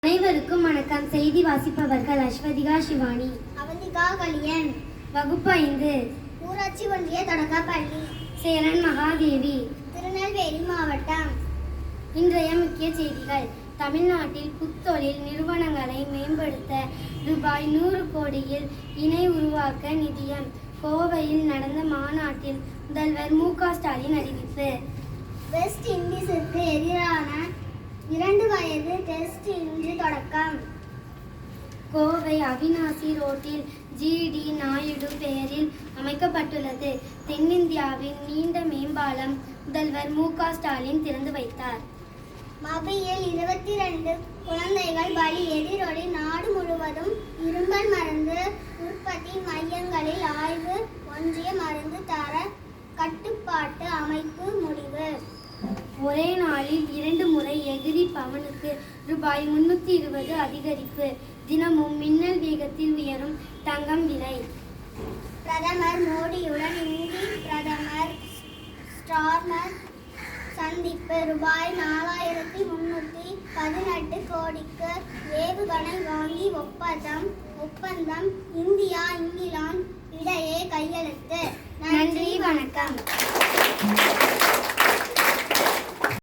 அனைவருக்கும் வணக்கம். செய்தி வாசிப்பவர்கள் அஸ்வதிகா சிவானி, அவந்திகா கலியன். வகுப்பு 5, ஊராட்சி ஒன்றிய தொடக்கப்பள்ளி, சேரன் மகாதேவி, திருநெல்வேலி மாவட்டம். இன்றைய முக்கிய செய்திகள். தமிழ்நாட்டில் புத்தொழில் நிறுவனங்களை மேம்படுத்த ரூபாய் 100 கோடியில் இணை உருவாக்க நிதியம். கோவையில் நடந்த மாநாட்டில் முதல்வர் மு.க.ஸ்டாலின் அறிவிப்பு. வெஸ்ட் இண்டீஸிற்கு எதிரான 2 வயது டெஸ்ட் இன்று தொடக்கம். கோவை அவிநாசி ரோட்டில் ஜி.டி. நாயுடு பெயரில் அமைக்கப்பட்டுள்ளது தென்னிந்தியாவின் நீண்ட மேம்பாலம் முதல்வர் மு.க.ஸ்டாலின் திறந்து வைத்தார். மபியில் 22 குழந்தைகள் பலி. எதிரொலி. நாடு முழுவதும் இருமல் மருந்து உற்பத்தி மையங்களில் ஆய்வு. ஒன்றிய மருந்து தர கட்டுப்பாட்டு அமைப்பு முடிவு. ஒரே நாளில் 2 முறை எகிரி பவனுக்கு ரூபாய் 320 அதிகரிப்பு. தினமும் மின்னல் வேகத்தில் உயரும் தங்கம் விலை. பிரதமர் மோடியுடன் இந்தி பிரதமர் ஸ்டார்மர் சந்திப்பு. ரூபாய் 4318 கோடிக்கு ஏவுகணை வாங்கி ஒப்பந்தம். இந்தியா, இங்கிலாந்து